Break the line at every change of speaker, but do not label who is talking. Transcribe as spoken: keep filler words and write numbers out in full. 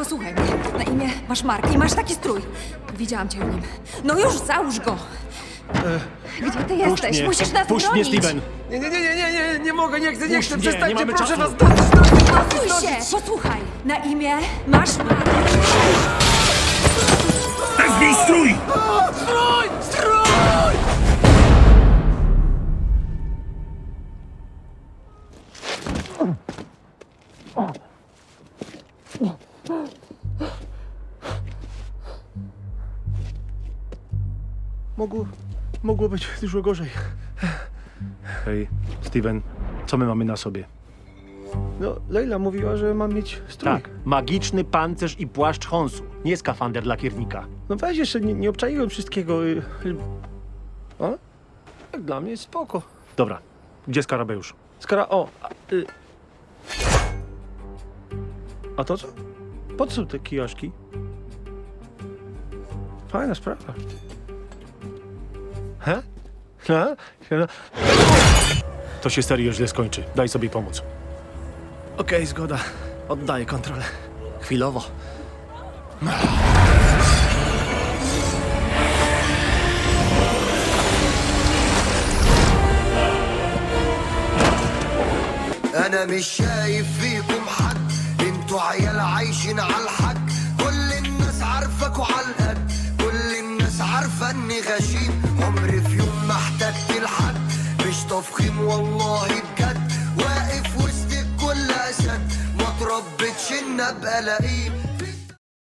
posłuchaj mnie. Na imię masz Mark i masz taki strój. Widziałam cię w nim. No już, załóż go! Gdzie ty jesteś?
mnie.
Musisz nas
Puść mnie,
bronić!
Steven!
Nie, nie, nie, nie, nie, nie, nie mogę, nie chcę, nie
Puść
chcę,
mnie,
przestańcie,
nie mamy
proszę
czasu.
was, dosyć, dosyć,
Posłuchaj
dosyć,
się!
dosyć.
Posłuchaj! Na imię masz Mark.
Zdejmij strój!
Strój, strój!
Mogło... mogło być dużo gorzej. Hej, Steven, co my mamy na sobie?
No, Leila mówiła, że mam mieć strój.
Tak, magiczny pancerz i płaszcz Honsu. Nie skafander lakiernika.
No weź jeszcze, nie, nie obczaiłem wszystkiego. y, y. A? Jak dla mnie jest spoko.
Dobra, gdzie Skarabeusz?
Skoro, o, a, y. a to co? Po co są te kijoszki? Fajna sprawa. He? He? He?
To się serio źle skończy. Daj sobie pomóc.
Okej, zgoda. Oddaję kontrolę. Chwilowo.
انا مش شايف فيكم حد انتوا عيال عايشين على الحق كل الناس عارفاكوا على القد كل الناس عارفه اني غشيم عمري في يوم ما احتجت لحد مش تفخيم والله بجد واقف وسط الكل اسد ما تربتش ان ابقى لئيم